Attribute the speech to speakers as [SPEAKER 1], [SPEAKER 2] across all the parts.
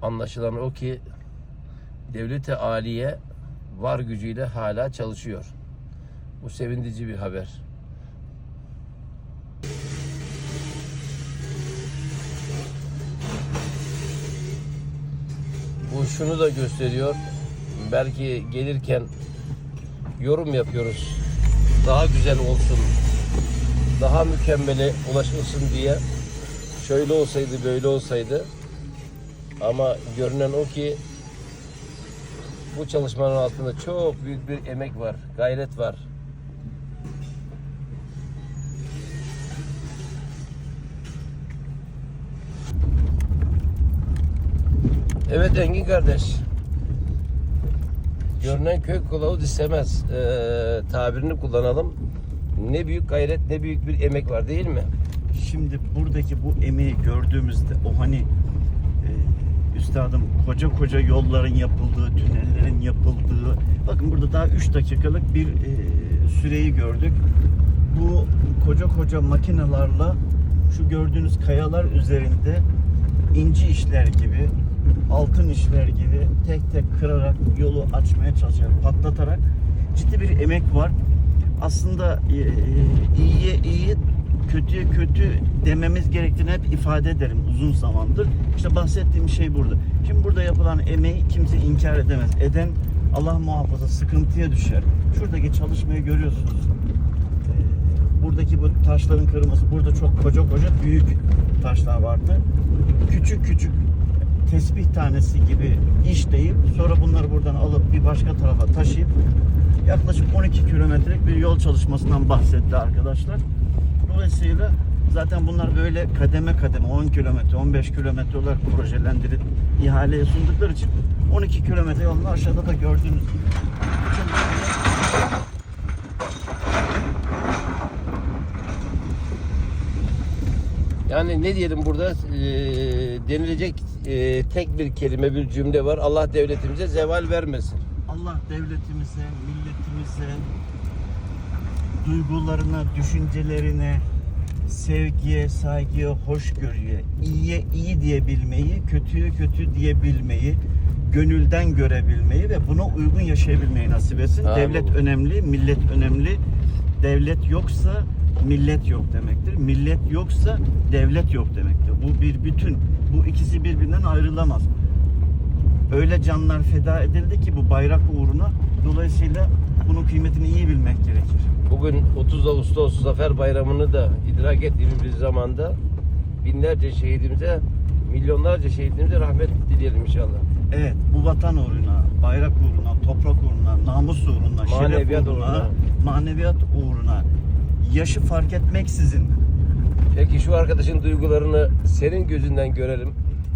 [SPEAKER 1] Anlaşılan o ki devlet-i aliye var gücüyle hala çalışıyor. Bu sevindirici bir haber. Bu şunu da gösteriyor. Belki gelirken yorum yapıyoruz. Daha güzel olsun, daha mükemmele ulaşılsın diye. Şöyle olsaydı, böyle olsaydı. Ama görünen o ki bu çalışmanın altında çok büyük bir emek var, gayret var. Evet Engin kardeş. Görünen köy kılavuz istemez tabirini kullanalım. Ne büyük gayret, ne büyük bir emek var değil mi?
[SPEAKER 2] Şimdi buradaki bu emeği gördüğümüzde o hani üstadım koca yolların yapıldığı, tünellerin yapıldığı, bakın burada daha 3 dakikalık bir süreyi gördük. Bu koca makinelerle şu gördüğünüz kayalar üzerinde inci işler gibi, altın işler gibi tek tek kırarak yolu açmaya çalışıyor, patlatarak ciddi bir emek var. Aslında iyiye iyi, kötüye kötü dememiz gerektiğini hep ifade ederim uzun zamandır. İşte bahsettiğim şey burada. Şimdi burada yapılan emeği kimse inkar edemez. Eden Allah muhafaza sıkıntıya düşer. Şuradaki çalışmayı görüyorsunuz. Buradaki bu taşların kırılması, burada çok koca büyük taşlar vardı. Küçük tesbih tanesi gibi işleyip sonra bunları buradan alıp bir başka tarafa taşıyıp yaklaşık 12 kilometrelik bir yol çalışmasından bahsetti arkadaşlar. Dolayısıyla zaten bunlar böyle kademe 10 kilometre, 15 kilometre olarak projelendirip ihaleye sundukları için 12 kilometre yolunu aşağıda da gördüğünüz gibi.
[SPEAKER 1] Yani ne diyelim burada denilecek tek bir kelime, bir cümle var. Allah devletimize zeval vermesin.
[SPEAKER 2] Allah devletimize, milletimize, duygularına, düşüncelerine, sevgiye, saygıya, hoşgörüye, iyiye iyi diyebilmeyi, kötüye kötü diyebilmeyi, gönülden görebilmeyi ve buna uygun yaşayabilmeyi nasip etsin.
[SPEAKER 1] Amin.
[SPEAKER 2] Devlet önemli, millet önemli. Devlet yoksa millet yok demektir. Millet yoksa devlet yok demektir. Bu bir bütün. Bu ikisi birbirinden ayrılamaz. Öyle canlar feda edildi ki bu bayrak uğruna. Dolayısıyla bunun kıymetini iyi bilmek gerekir.
[SPEAKER 1] Bugün 30 Ağustos Zafer Bayramı'nı da idrak ettiğimiz bir zamanda binlerce şehidimize, milyonlarca şehidimize rahmet dileyelim inşallah.
[SPEAKER 2] Evet, bu vatan uğruna, bayrak uğruna, toprak uğruna, namus uğruna,
[SPEAKER 1] Maneviyat
[SPEAKER 2] şeref uğruna,
[SPEAKER 1] uğruna,
[SPEAKER 2] maneviyat uğruna, yaşı fark etmeksizin.
[SPEAKER 1] Peki şu arkadaşın duygularını senin gözünden görelim.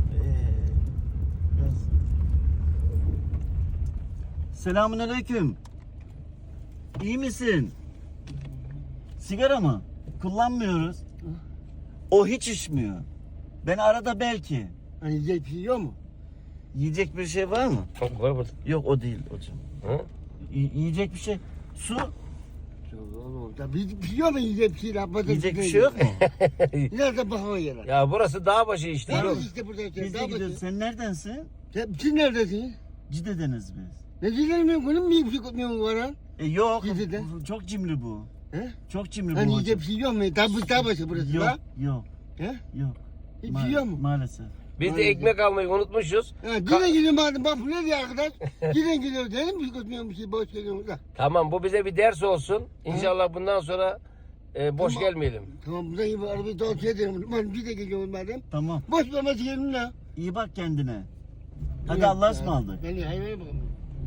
[SPEAKER 2] Selamünaleyküm. İyi misin? Sigara mı? Kullanmıyoruz. O hiç içmiyor. Ben arada belki.
[SPEAKER 3] Hani yiyecek bir şey yok mu?
[SPEAKER 2] Yiyecek bir şey var mı?
[SPEAKER 1] Var burada.
[SPEAKER 2] Yok o değil hocam.
[SPEAKER 1] Hı?
[SPEAKER 2] Yiyecek bir şey. Su?
[SPEAKER 3] Ya bir şey yok mu yiyecek bir şey?
[SPEAKER 2] Yiyecek bir şey yok mu?
[SPEAKER 3] Nerede bakma yere?
[SPEAKER 1] Ya burası dağ başı işte.
[SPEAKER 3] Daha
[SPEAKER 1] Yok.
[SPEAKER 3] işte burada.
[SPEAKER 2] Biz de gidiyoruz. Sen neredensin?
[SPEAKER 3] Siz neredesiniz?
[SPEAKER 2] Cide'deniz biz.
[SPEAKER 3] Ne diyeceğim ben? Bunun mu bir şey kutmuyorum var ha?
[SPEAKER 2] Yok.
[SPEAKER 3] Cide'de.
[SPEAKER 2] Çok cimri bu.
[SPEAKER 3] He?
[SPEAKER 2] Çok cimri bu
[SPEAKER 3] Hani
[SPEAKER 2] hocam.
[SPEAKER 3] yiyecek bir şey yok mu? Daha başı burası
[SPEAKER 2] Yok,
[SPEAKER 3] la.
[SPEAKER 2] yok,
[SPEAKER 3] He?
[SPEAKER 2] yok.
[SPEAKER 3] Hiçbir şey yok mu?
[SPEAKER 2] Maalesef.
[SPEAKER 1] Biz de ekmek almayı unutmuşuz.
[SPEAKER 3] Ha, gidin gidin madem bak bu ne diyor arkadaş? Gidin gidiyor dedim bir şey kutmuyorum bir şey boş geliyorum da.
[SPEAKER 1] Tamam bu bize bir ders olsun. İnşallah bundan sonra boş
[SPEAKER 3] Tamam.
[SPEAKER 1] gelmeyelim.
[SPEAKER 3] Tamam buradan gibi arabayı tavsiye ederim. Ben bir de geliyorum madem.
[SPEAKER 2] Tamam.
[SPEAKER 3] Boş vermesi gelin la.
[SPEAKER 2] İyi bak kendine. Hadi Allah'a ısmarladık.
[SPEAKER 3] Ben hayvana bakalım.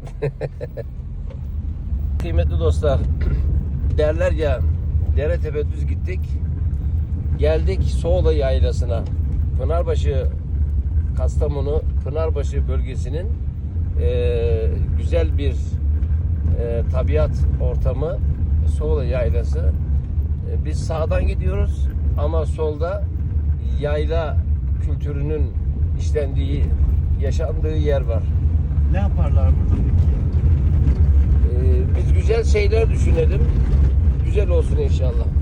[SPEAKER 1] Kıymetli dostlar, derler ya dere tepe düz gittik. Geldik Soğla Yaylası'na. Pınarbaşı, Kastamonu Pınarbaşı bölgesinin güzel bir tabiat ortamı Soğla Yaylası. Biz sağdan gidiyoruz ama solda yayla kültürünün işlendiği, yaşandığı yer var.
[SPEAKER 2] Ne yaparlar burada peki?
[SPEAKER 1] Biz güzel şeyler düşünelim. Güzel olsun inşallah.